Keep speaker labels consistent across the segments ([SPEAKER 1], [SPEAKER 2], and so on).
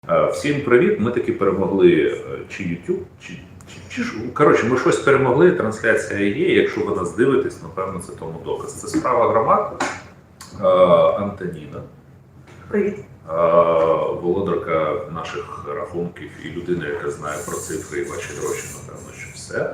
[SPEAKER 1] Всім привіт! Ми таки перемогли чи YouTube, коротше, ми щось перемогли, трансляція є. Якщо ви нас дивитесь, напевно, це тому доказ. Це справа громад. Антоніна.
[SPEAKER 2] Привіт.
[SPEAKER 1] Володарка наших рахунків і людина, яка знає про цифри і ваші гроші, напевно, що все.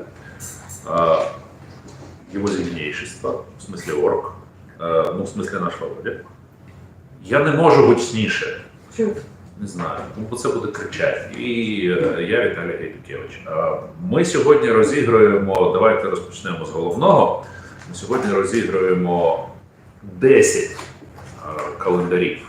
[SPEAKER 1] Його зімнейшество, в смислі орк, ну, в смислі наш Володя. Я не можу гучніше.
[SPEAKER 2] Чому?
[SPEAKER 1] Не знаю, бо це буде кричати. І я Віталій Гайдукевич. Ми сьогодні розігруємо, давайте розпочнемо з головного. Ми сьогодні розігруємо 10 календарів.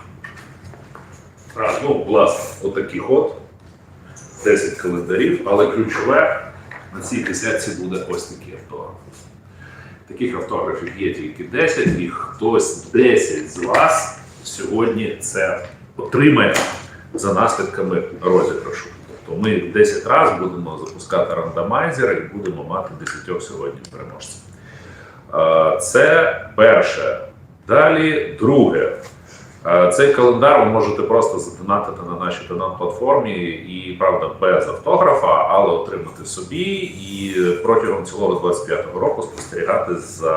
[SPEAKER 1] Ну, власне, отаких от 10 календарів, але ключове, на цій кисятці буде ось такий автограф. Таких автографів є тільки 10, і хтось 10 з вас сьогодні це отримає за наслідками розіграшу. Тобто ми 10 разів будемо запускати рандомайзер і будемо мати 10 сьогодні переможців. Це перше. Далі друге. Цей календар ви можете просто задонатити на нашій донат-платформі і, правда, без автографа, але отримати собі і протягом цілого 25-го року спостерігати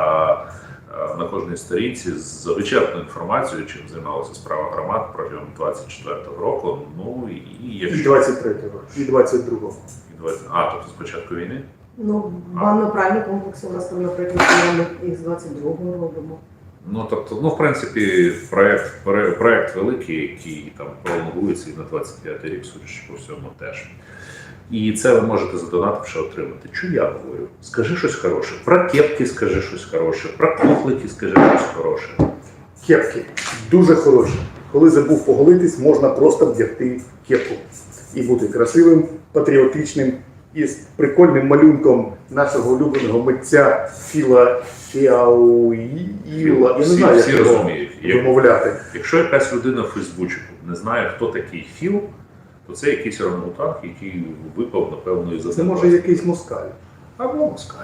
[SPEAKER 1] на кожній сторінці з вичерпною інформацією, чим займалася справа громад протягом 24-го року. Ну і
[SPEAKER 3] 23-го, і 22-го.
[SPEAKER 1] Тобто з початку війни?
[SPEAKER 2] Ну, банно-пральні комплекси у нас там, наприклад, ми їх з 22-го робимо.
[SPEAKER 1] Ну, тобто, в принципі, проект великий, який там пролонгується і на 25-й рік, судячи по всьому, теж. І це ви можете задонативши отримати. Що я говорю? Скажи щось хороше. Про кепки скажи щось хороше, про кухлики скажи щось хороше.
[SPEAKER 3] Кепки дуже хороші. Коли забув поголитись, можна просто вдягти кепку. І бути красивим, патріотичним і з прикольним малюнком нашого улюбленого митця Філа Фіауїла. Я не знаю, як його вимовляти.
[SPEAKER 1] Якщо якась людина в Фейсбучику не знає, хто такий Філ, то це якийсь орангутанг, який випав, напевно, із-за
[SPEAKER 3] Це може якийсь москаль.
[SPEAKER 1] Або москаль.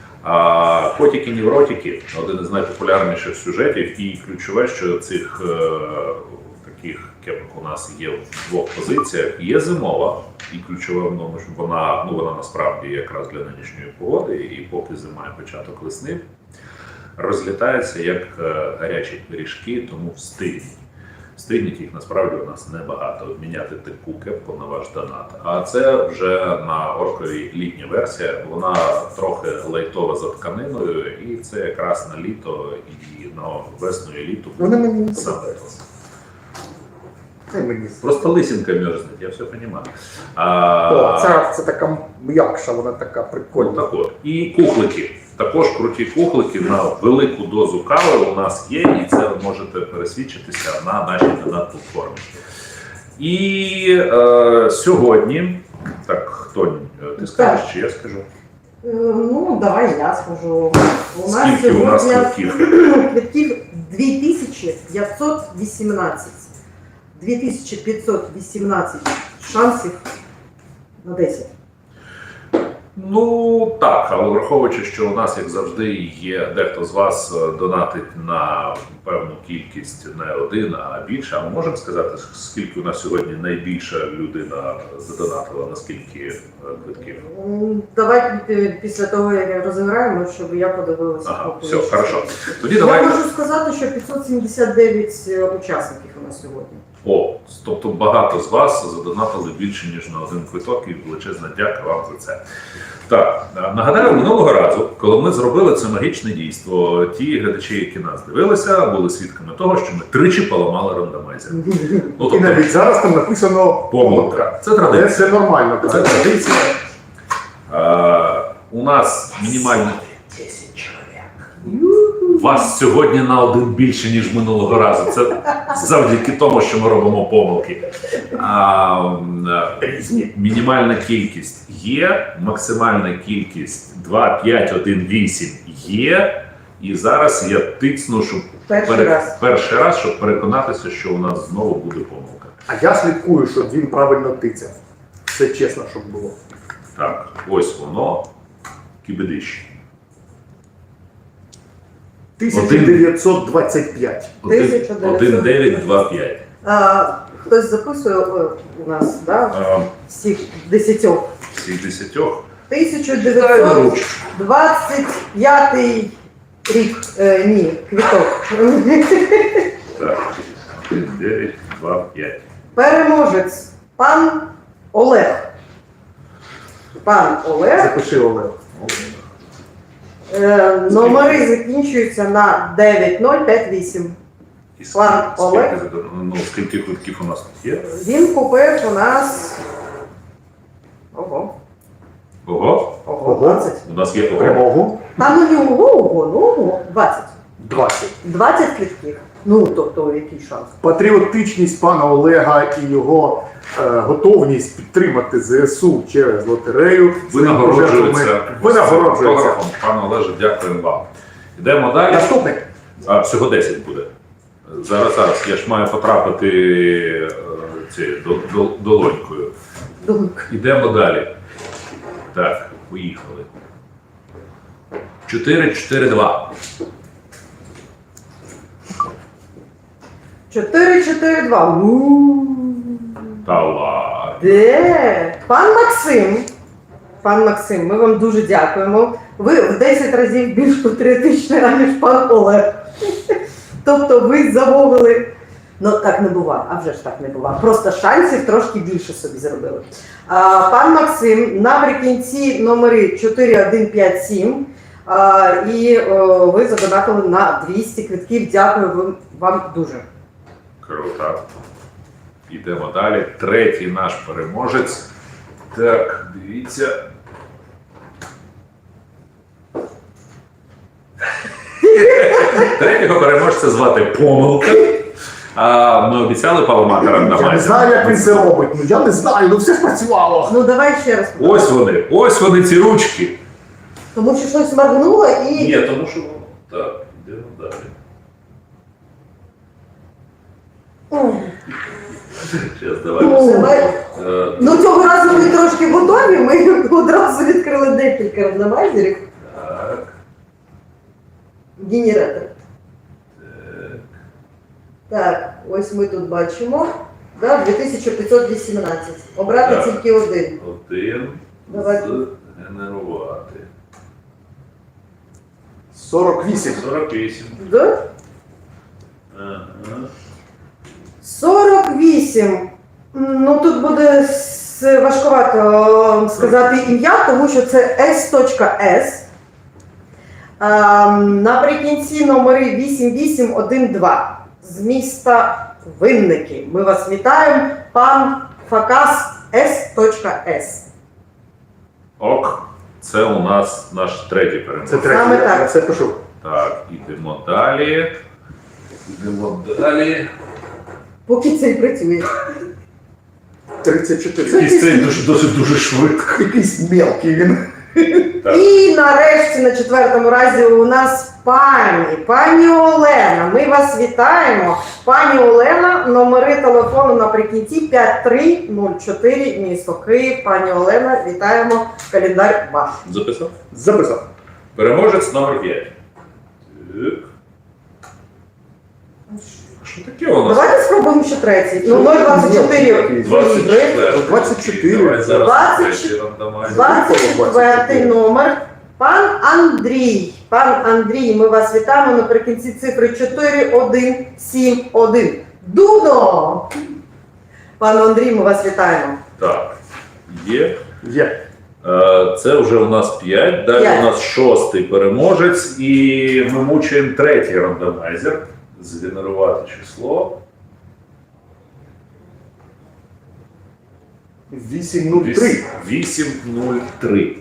[SPEAKER 1] Котики-невротики – один із найпопулярніших сюжетів, і ключове, що цих таких кепок у нас є в двох позиціях. Є зимова, і ключове в тому, що вона насправді якраз для нинішньої погоди, і поки зима і початок весни, розлітається як гарячі пиріжки, тому встигніть. Встигніть їх насправді у нас небагато. Обміняти таку кепку на ваш донат. А це вже на орковій літня версія. Вона трохи лайтова за тканиною, і це якраз на літо і на весну і літо.
[SPEAKER 3] Вона мені не
[SPEAKER 1] подобається.
[SPEAKER 3] Мені
[SPEAKER 1] Просто лисинка мерзнет, я все розумію.
[SPEAKER 3] Це така м'якша, вона така прикольна.
[SPEAKER 1] Так от. І кухлики. Також круті кухлики на велику дозу кави у нас є, і це ви можете пересвідчитися на нашій донат-платформі. І сьогодні, так, хто, ти скажеш, чи я скажу?
[SPEAKER 2] Ну, давай я скажу.
[SPEAKER 1] Скільки у нас квитків?
[SPEAKER 2] Квитків 2518. 2518 шансів на 10.
[SPEAKER 1] Ну, так, але враховуючи, що у нас, як завжди, є дехто з вас донатить на певну кількість не один, а більше. А ми можемо сказати, скільки у нас сьогодні найбільша людина задонатила, на скільки квитків?
[SPEAKER 2] Давай після того, як розіграємо, щоб я подивилася.
[SPEAKER 1] Ага, все, хорошо. Тоді
[SPEAKER 2] Я
[SPEAKER 1] давайте.
[SPEAKER 2] можу сказати, що 579 учасників у нас сьогодні.
[SPEAKER 1] Тобто багато з вас задонатили більше, ніж на один квиток, і величезна дяка вам за це. Так, нагадаю, минулого разу, коли ми зробили це магічне дійство, ті глядачі, які нас дивилися, були свідками того, що ми тричі поламали рандомайзер.
[SPEAKER 3] І навіть зараз там написано
[SPEAKER 1] помилка. Це традиція.
[SPEAKER 3] Це нормально.
[SPEAKER 1] Це традиція. У нас мінімальна 10 чоловік. Вас сьогодні на один більше, ніж минулого разу. Це завдяки тому, що ми робимо помилки. Мінімальна кількість є, максимальна кількість 2, 5, 1, 8 є. І зараз я тицну, щоб перший раз, щоб переконатися, що у нас знову буде помилка.
[SPEAKER 3] А я слідкую, щоб він правильно тицяв. Все чесно, щоб було.
[SPEAKER 1] Так, ось воно. Кібедище.
[SPEAKER 3] 1925.
[SPEAKER 1] 1925.
[SPEAKER 2] Хтось записує у нас, да?
[SPEAKER 1] А,
[SPEAKER 2] Всіх 10.
[SPEAKER 1] всіх 10.
[SPEAKER 2] 1925 рік, ні, квіток.
[SPEAKER 1] Так, 1, 9, 2, 5.
[SPEAKER 2] Переможець пан Олег. Пан Олег.
[SPEAKER 3] Запиши, Олег.
[SPEAKER 2] Номери закінчуються на 9058.
[SPEAKER 1] І
[SPEAKER 2] Пан Олег.
[SPEAKER 1] скільки квитків у нас тут є?
[SPEAKER 2] Він купив у нас. Ого.
[SPEAKER 1] Ого,
[SPEAKER 2] Ого,
[SPEAKER 3] Ого.
[SPEAKER 2] 20.
[SPEAKER 1] у нас є ого.
[SPEAKER 3] Перемогу.
[SPEAKER 2] Та ну не ого, 20.
[SPEAKER 3] 20.
[SPEAKER 2] 20 квитків. Ну, тобто, який шанс?
[SPEAKER 3] Патріотичність пана Олега і його готовність підтримати ЗСУ через лотерею
[SPEAKER 1] Винагороджується.
[SPEAKER 3] Винагороджується.
[SPEAKER 1] Фотографом. Пане Олеже, дякуємо вам. Йдемо далі.
[SPEAKER 3] Наступний.
[SPEAKER 1] А, всього 10 буде. Зараз. Я ж маю потрапити долонькою.
[SPEAKER 2] Думка.
[SPEAKER 1] Йдемо далі. Так, поїхали. 4-4-2.
[SPEAKER 2] 4-4-2.
[SPEAKER 1] Та ладно.
[SPEAKER 2] Де? Пан Максим, ми вам дуже дякуємо. Ви в 10 разів більш патріотичний, аніж пан Олег. Тобто ви замовили. Ну так не буває, а вже ж так не буває. Просто шансів трошки більше собі зробили. Пан Максим, наприкінці номери 4157. І ви задонатили на 200 квитків. Дякую вам дуже.
[SPEAKER 1] Круто. Йдемо далі. Третій наш переможець. Так, дивіться. Третього переможця звати Помилка. Ми обіцяли паламаторам на
[SPEAKER 3] Я не знаю, як він це робить. Ну я не знаю, ну все спрацювало.
[SPEAKER 2] Ну давай ще раз.
[SPEAKER 1] Ось вони ці ручки.
[SPEAKER 2] Тому що щось моргнуло і...
[SPEAKER 1] Ні, тому що воно. Так, йдемо далі. Зараз давай.
[SPEAKER 2] Ну цього разу ми трошки готові, ми одразу відкрили декілька рандомайзерів.
[SPEAKER 1] Так.
[SPEAKER 2] Генератор.
[SPEAKER 1] Так.
[SPEAKER 2] Так, ось ми тут бачимо. Да, 2518. Обрати
[SPEAKER 1] Так.
[SPEAKER 2] тільки один.
[SPEAKER 1] Один.
[SPEAKER 2] Давай.
[SPEAKER 1] Згенерувати.
[SPEAKER 3] 48.
[SPEAKER 1] 48.
[SPEAKER 2] Да?
[SPEAKER 1] Ага.
[SPEAKER 2] 48. Ну тут буде важкувато сказати ім'я, тому що це S.S. Наприкінці номери 8812 з міста Винники. Ми вас вітаємо, пан Факас S.S.
[SPEAKER 1] Ок. Це у нас наш третій
[SPEAKER 3] Це
[SPEAKER 1] переможець.
[SPEAKER 3] третій,
[SPEAKER 2] Саме
[SPEAKER 3] я
[SPEAKER 2] так.
[SPEAKER 3] це пишу.
[SPEAKER 1] Так, ідемо далі.
[SPEAKER 2] Поки це працює.
[SPEAKER 3] 34.
[SPEAKER 1] Якийсь цей дуже швидко.
[SPEAKER 3] Якийсь мелкий він.
[SPEAKER 1] Так.
[SPEAKER 2] І нарешті на четвертому разі у нас пані Олена. Ми вас вітаємо. Пані Олена, номери телефону наприкінці 5304, місто Київ. Пані Олена, вітаємо. Календар ваш.
[SPEAKER 1] Записав?
[SPEAKER 3] Записав.
[SPEAKER 1] Переможець номер 5. Так. Що таке у нас?
[SPEAKER 2] Давайте спробуємо ще третій. Ну, 024.
[SPEAKER 1] 24.
[SPEAKER 3] 24.
[SPEAKER 1] Давай зараз
[SPEAKER 2] 20.
[SPEAKER 1] третій рандомайзер.
[SPEAKER 2] 24 номер. Пан Андрій. Пан Андрій, ми вас вітаємо наприкінці цифри 4171. Дудо! Пане Андрій, ми вас вітаємо.
[SPEAKER 1] Так, є.
[SPEAKER 3] Є.
[SPEAKER 1] Це вже у нас 5, далі
[SPEAKER 2] П'ять.
[SPEAKER 1] у нас 6-й переможець, і ми мучаємо третій рандомайзер. Згенерувати число.
[SPEAKER 3] 803.
[SPEAKER 1] 803.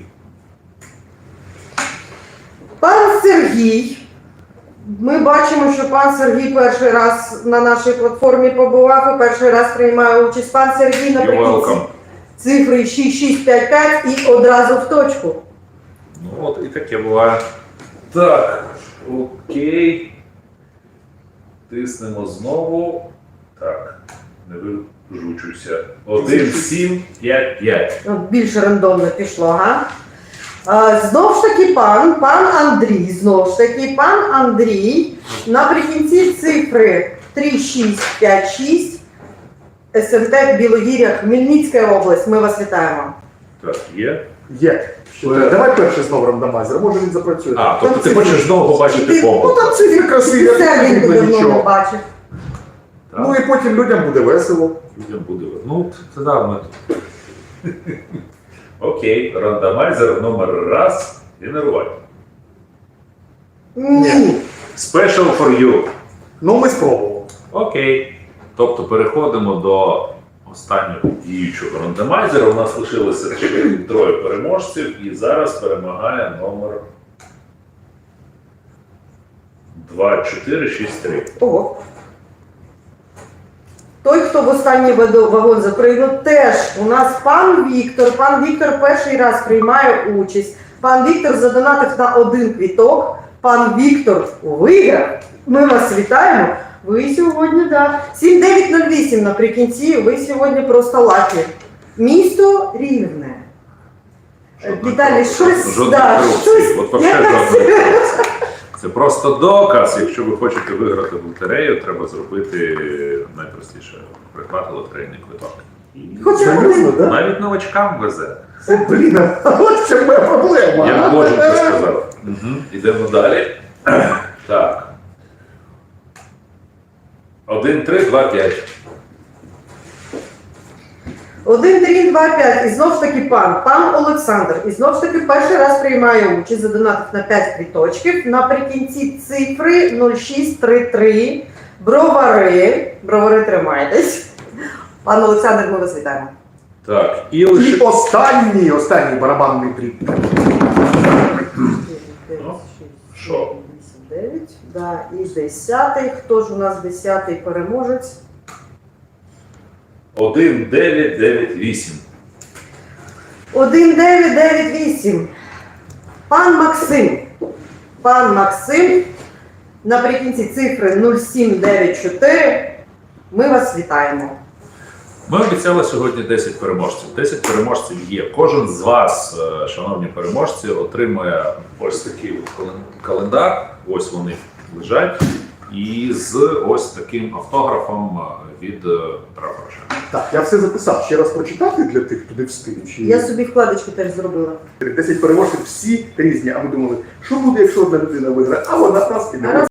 [SPEAKER 2] Пан Сергій. Ми бачимо, що пан Сергій перший раз на нашій платформі побував і перший раз приймає участь. Пан Сергій
[SPEAKER 1] You're
[SPEAKER 2] наприкінці
[SPEAKER 1] welcome.
[SPEAKER 2] цифри 6655 і одразу в точку.
[SPEAKER 1] Ну от і таке буває. Так, окей. Тиснемо знову. Так, не вижучуся. 1, 7, 5, 5.
[SPEAKER 2] Ну, більше рандомно пішло, га? Знову ж таки пан Андрій, пан Андрій, наприкінці цифри 3656 СМТ Білогір'я, Хмельницька область. Ми вас вітаємо.
[SPEAKER 1] Так, є.
[SPEAKER 3] Є. Давай перший знову рандомайзер, може він запрацює.
[SPEAKER 1] А, тобто ти хочеш знову побачити
[SPEAKER 2] Ти-
[SPEAKER 1] помилку.
[SPEAKER 3] Ну там цифри красиві,
[SPEAKER 2] Це
[SPEAKER 3] не
[SPEAKER 2] він
[SPEAKER 3] видно
[SPEAKER 2] давно не
[SPEAKER 3] нічого.
[SPEAKER 2] бачив.
[SPEAKER 1] Так?
[SPEAKER 3] Ну і потім людям буде весело.
[SPEAKER 1] Людям буде. Ну, це да, ми тут. Окей, рандомайзер номер раз. Генерувати.
[SPEAKER 2] Ні.
[SPEAKER 1] Special for you.
[SPEAKER 3] Ну ми спробували.
[SPEAKER 1] Окей. Тобто переходимо до останнього діючого рандомайзера. У нас лишилося ще троє переможців, і зараз перемагає номер 2463.
[SPEAKER 2] Ого. Той, хто в останній вагон запригнув, теж у нас пан Віктор. Пан Віктор перший раз приймає участь. Пан Віктор задонатив на 1 квіток. Пан Віктор виграв. Ми вас вітаємо. Ви сьогодні, да. 7908 наприкінці, ви сьогодні просто лакі. Місто Рівне. Віталій, щось,
[SPEAKER 1] Жодної
[SPEAKER 2] да,
[SPEAKER 1] корупції.
[SPEAKER 2] щось,
[SPEAKER 1] От вообще
[SPEAKER 2] якась-
[SPEAKER 1] жодної корупції. Це просто доказ. Якщо ви хочете виграти в лотерею, треба зробити найпростіше придбати лотерейний квиток. І
[SPEAKER 2] Хоча
[SPEAKER 3] Серйозно, да?
[SPEAKER 1] навіть новачкам везе.
[SPEAKER 3] Це, блін, а от це моя проблема.
[SPEAKER 1] Я можу це сказати. Ідемо далі. Так. 1, 3, 2, 5.
[SPEAKER 2] 1, 3, 2, 5. І знов ж таки пан Олександр. І знов ж таки перший раз приймає участь, задонатив на 5 квіточків. Наприкінці цифри 0633. Бровари, тримайтесь. Пан Олександр, ми вас вітаємо.
[SPEAKER 1] Так, і
[SPEAKER 3] І
[SPEAKER 1] лише.
[SPEAKER 3] останній барабанний тріп.
[SPEAKER 1] Що?
[SPEAKER 2] 9, да, і 10. Хто ж у нас 10-й переможець?
[SPEAKER 1] 1, 9, 9, 8.
[SPEAKER 2] 1998. Пан Максим. Пан Максим. Наприкінці цифри 0794. Ми вас вітаємо.
[SPEAKER 1] Ми обіцяли сьогодні 10 переможців. 10 переможців є. Кожен з вас, шановні переможці, отримує ось такий от календар. Ось вони лежать. І з ось таким автографом від Петра Порошенка.
[SPEAKER 3] Так, я все записав. Ще раз прочитати для тих, хто не встиг. Чи...
[SPEAKER 2] Я собі вкладочку теж зробила.
[SPEAKER 3] 10 переможців всі різні, а ми думали, що буде, якщо одна людина виграє, а вона нас і не
[SPEAKER 2] А раз